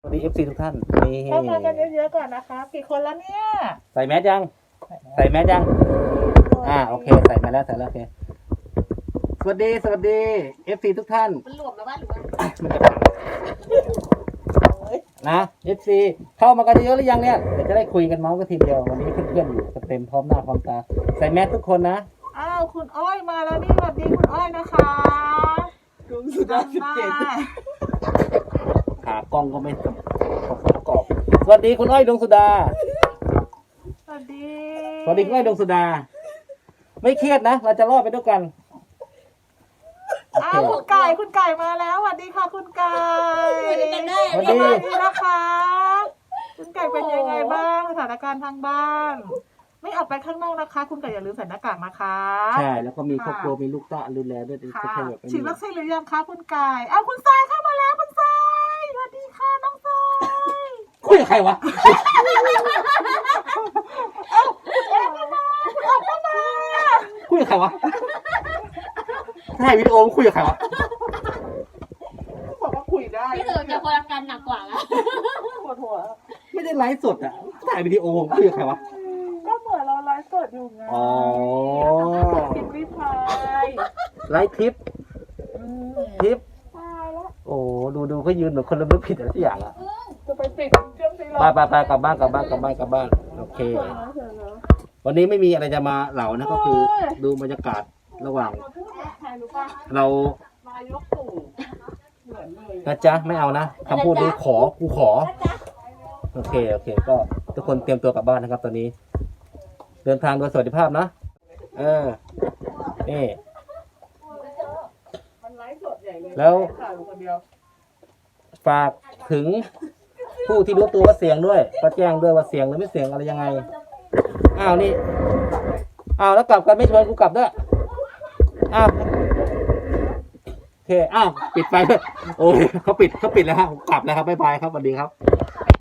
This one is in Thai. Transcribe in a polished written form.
สวัสดี FC ทุกท่านนี่เข้ามากันเยอะๆก่อนนะคะกี่คนแล้วเนี่ยใส่แมสยังใส่แมสยังโอเคใส่มาแล้วใส่แล้วโอเคสวัสดี FC ทุกท่านมันหลวมแล้วว่าหรือว่ามันจะนะ FC เข้ามากันเยอะหรือยังเนี่ยเดี๋ยวจะได้คุยกันเมาส์กันทีเดียววันนี้เพื่อนๆอยู่กันเต็มพร้อมหน้าพร้อมตาใส่แมสทุกคนนะอ้าวคุณอ้อยมาแล้วนี่สวัสดีคุณอ้อยนะคะลุงสุดาขากล้องก็ไม่ประกอบสวัสดีคุณอ้อยดวงสุดาสวัสดีสวัสดีคุณอ้อยดวงสุดา ไม่เครียดนะเราจะรอดไปด้วยกันโออ้าเควคุณไก่มาแล้วสวัสดีค่ะคุณไก่อยู่ด้วยกันได้สวัสสดีวัสดีนะคะคุณไก่เป็นยังไงบ้างสถานการณ์ทางบ้าน ไม่ออกไปข้างนอกนะคะ คุณไก่อย่าลืมใส่หน้ากากนะคะใช่แล้วก็มีครอบครัวมีลูกต้าดูแลด้วยค่ะจะให้แบบฉีดวัคซีนหรือยังคะคุณไก่อ้าวคุณทรายเข้ามาแล้วคุณทรายสวัสดีค่ะน้องทรายคุยกับใครวะ คุยกับใครวะถ่ายวิดีโอคุยกับใครวะบอกว่าคุยได้พี่เต๋อจะคนอาการหนักกว่าแล้วปวดหัวไม่ได้ไลฟ์สดอ่ะถ่ายวิดีโอคุยกับใครวะก็เหมือนเราไลฟ์สดอยู่ไงอ๋อพิมพ์ริพายไลฟ์ทิปตายแล้วโอ้ดูเขายืนเหมือนคนละเมือผิดอะไรสักอย่างอ่ะจะไปปิดเครื่องตีรไปกลับบ้านโอเค วันนี้ไม่มีอะไรจะมาเหล่านะก็คือดูบรรยากาศระหว่างใครรู้ป่ะเรานายกตู่เหมือนเลยนะจ๊ะไม่เอานะคำพูดนี้กูขอโอเคก็ทุกคนเตรียมตัวกลับบ้านนะครับ ตอนนี้ เดินทางโดยสวัสดิภาพนะนี่มันไลฟ์สดใหญ่เลยแล้วถ่ายอยู่คนเดียวฝากถึงผู้ที่รู้ตัวว่าเสียงด้วยก็แจ้งด้วยว่าเสียงหรือไม่เสียงอะไรยังไงนี่แล้วกลับกันไม่ชวนกูกลับด้วยโอเคปิดไฟด้วยโอ้ยเขาปิดแล้วครับกลับแล้วครับบ๊ายบายครับสวัสดีครับ